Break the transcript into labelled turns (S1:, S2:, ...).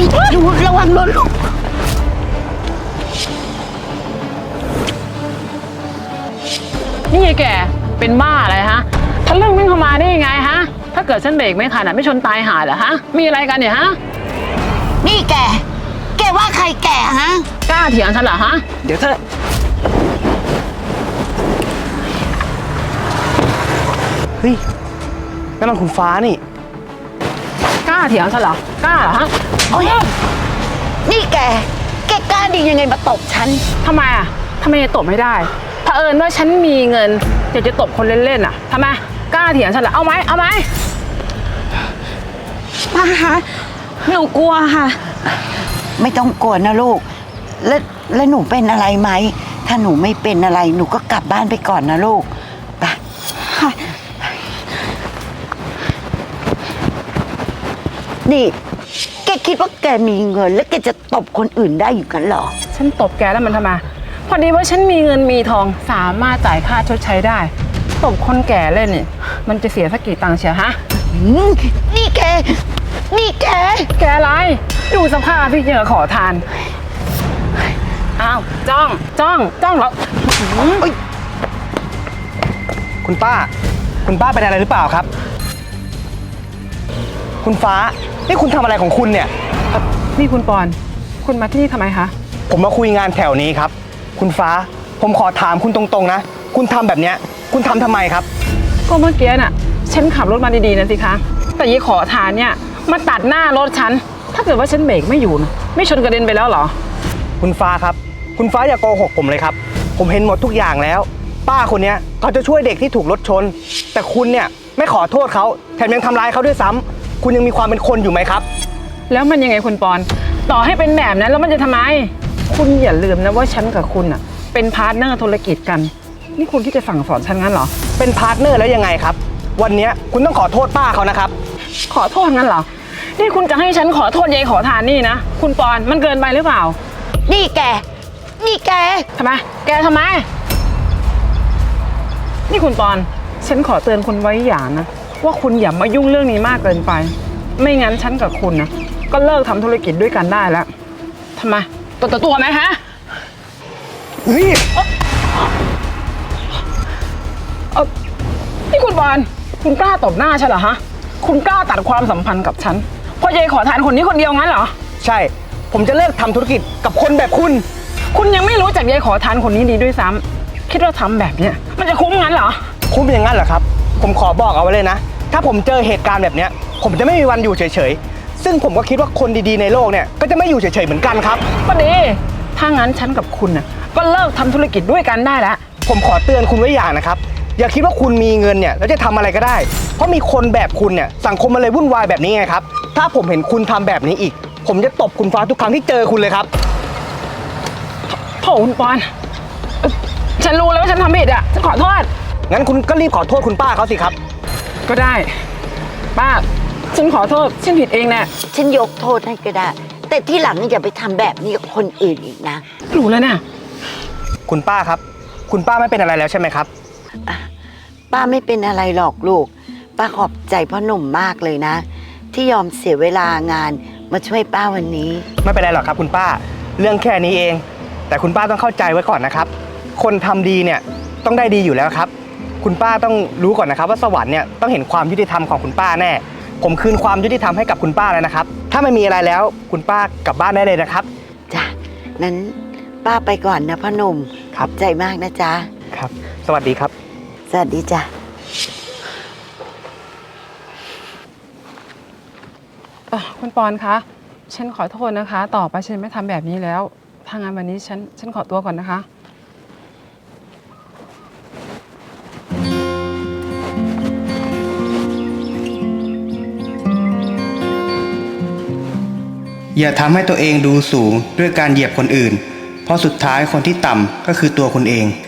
S1: ดูระวังรถลูก
S2: นี่ไงแกเป็นบ้าอะไรฮะทะลึ่งวิ่งเข้ามาได้ยังไงฮะถ้าเกิดฉันเบรกไม่ทันไม่ชนตายหาเหรอฮะมีอะไรกันเนี่ยฮะ
S1: นี่แกว่าใครแก่ฮะ
S2: กล้าเถียงฉันเหรอฮะ
S3: เดี๋ยวเธอเฮ้ยนั่นมันคุณฟ้านี่
S2: กล้าเถียงฉันเหรอกล้าเหรอฮะ
S1: โอ้ยนี่แกกล้าดียังไงมาตบฉัน
S2: ทำไมจะตบไม่ได้เผอิญว่าฉันมีเงินอยากจะตบคนเล่นๆทำไมกล้าเถียงฉันเหรอเอาไหม
S1: ป้าคะหนูกลัวค่ะไม่ต้องกลัวนะลูกแล้วหนูเป็นอะไรไหมถ้าหนูไม่เป็นอะไรหนูก็กลับบ้านไปก่อนนะลูกไปนี่แกคิดว่าแกมีเงินแล้วแกจะตบคนอื่นได้อยู่กันหรอ
S2: ฉันตบแกแล้วมันทำไมพอดีว่าฉันมีเงินมีทองสามารถจ่ายค่าชดใช้ได้ตบคนแก่เล่นเนี่ยมันจะเสียสักกี่ตังค์เชียวฮะ
S1: นี่แก
S2: อะไรดูสภาพพี่เจอขอทานอ้าวจ้องเหรอ
S3: คุณป้าเป็นอะไรหรือเปล่าครับคุณฟ้านี่คุณทำอะไรของคุณเนี่ย
S2: นี่คุณปอนคุณมาที่นี่ทำไมคะ
S3: ผมมาคุยงานแถวนี้ครับคุณฟ้าผมขอถามคุณตรงๆนะคุณทำแบบเนี้ยคุณทำทำไมครับ
S2: ก็เมื่อกี้น่ะฉันขับรถมาดีๆนะสิคะแต่ยี่ขอทานเนี่ยมาตัดหน้ารถฉันถ้าเกิดว่าฉันเบรกไม่อยู่นะไม่ชนกระเด็นไปแล้วเหรอ
S3: คุณฟ้าครับคุณฟ้าอย่าโกหกผมเลยครับผมเห็นหมดทุกอย่างแล้วป้าคนนี้เขาจะช่วยเด็กที่ถูกรถชนแต่คุณเนี่ยไม่ขอโทษเขาแถมยังทำร้ายเขาด้วยซ้ำคุณยังมีความเป็นคนอยู่ไหมครับ
S2: แล้วมันยังไงคุณปอนต่อให้เป็นแบบนั้นแล้วมันจะทำไมคุณอย่าลืมนะว่าฉันกับคุณเป็นพาร์ทเนอร์ธุรกิจกันนี่คุณที่จะสั่งสอนฉันงั้นเหรอ
S3: เป็นพาร์ทเนอร์แล้วยังไงครับวันนี้คุณต้องขอโทษป้าเขานะครับ
S2: ขอโทษงั้นเหรอนี่คุณจะให้ฉันขอโทษยายขอทานนี่นะคุณปอนมันเกินไปหรือเปล่า
S1: นี่แก
S2: ทำไมนี่คุณปอนฉันขอเตือนคุณไว้อย่างนะว่าคุณอย่ามายุ่งเรื่องนี้มากเกินไปไม่งั้นฉันกับคุณนะก็เลิกทำธุรกิจด้วยกันได้แล้วทำไมตัวไหมฮะนี่คุณปอนคุณกล้าตบหน้าฉันเหรอฮะคุณกล้าตัดความสัมพันธ์กับฉันเพราะยายขอทานคนนี้คนเดียวงั้นเหรอ
S3: ใช่ผมจะเลิกทำธุรกิจกับคนแบบ
S2: คุณยังไม่รู้จักยายขอทานคนนี้ดีด้วยซ้ำคิดว่าทำแบบเนี้ยมันจะคุ้มงั้นเหรอ
S3: คุ้มอย่างนั้นเหรอครับผมขอบอกเอาไว้เลยนะถ้าผมเจอเหตุการณ์แบบเนี้ยผมจะไม่มีวันอยู่เฉยๆซึ่งผมก็คิดว่าคนดีๆในโลกเนี่ยก็จะไม่อยู่เฉยๆเหมือนกันครับ
S2: ก็ดีถ้างั้นฉันกับคุณน่ะก็เลิกทำธุรกิจด้วยกันได้แล้ว
S3: ผมขอเตือนคุณไว้อย่างนะครับอย่าคิดว่าคุณมีเงินเนี่ยแล้วจะทำอะไรก็ได้เพราะมีคนแบบคุณเนี่ยสังคมมันเลยวุ่นวายแบบนี้ไงครับถ้าผมเห็นคุณทำแบบนี้อีกผมจะตบคุณฟ้าทุกครั้งที่เจอคุณเลยครับ
S2: โถคุณปอนฉันรู้แล้วว่าฉันทำผิดฉันขอโทษ
S3: งั้นคุณก็รีบขอโทษคุณป้าเขาสิครับ
S2: ก็ได้ป้าฉันขอโทษฉันผิดเองแน่
S1: ฉันยกโทษให้ก็ได้แต่ที่หลังอย่าไปทำแบบนี้กับคนอื่นอีกนะ
S2: รู้แล้วนะ
S3: คุณป้าครับคุณป้าไม่เป็นอะไรแล้วใช่ไหมครับ
S1: ป้าไม่เป็นอะไรหรอกลูกป้าขอบใจพ่อหนุ่มมากเลยนะที่ยอมเสียเวลางานมาช่วยป้าวันนี้
S3: ไม่เป็นไรหรอกครับคุณป้าเรื่องแค่นี้เองแต่คุณป้าต้องเข้าใจไว้ก่อนนะครับคนทำดีเนี่ยต้องได้ดีอยู่แล้วครับคุณป้าต้องรู้ก่อนนะครับว่าสวรรค์เนี่ยต้องเห็นความยุติธรรมของคุณป้าแน่ผมคืนความยุติธรรมให้กับคุณป้าแล้วนะครับถ้าไม่มีอะไรแล้วคุณป้ากลับบ้านได้เลยนะครับ
S1: จ้ะนั้นป้าไปก่อนนะพ่อหนุ่มขอบใจมากนะจ๊ะ
S3: ครับสวัสดีครับ
S1: สวัสดีจ้ะ
S2: คุณปอนคะฉันขอโทษนะคะต่อไปฉันไม่ทำแบบนี้แล้วถ้างั้นวันนี้ฉันขอตัวก่อนนะคะ
S4: อย่าทำให้ตัวเองดูสูงด้วยการเหยียบคนอื่นเพราะสุดท้ายคนที่ต่ำก็คือตัวคุณเอง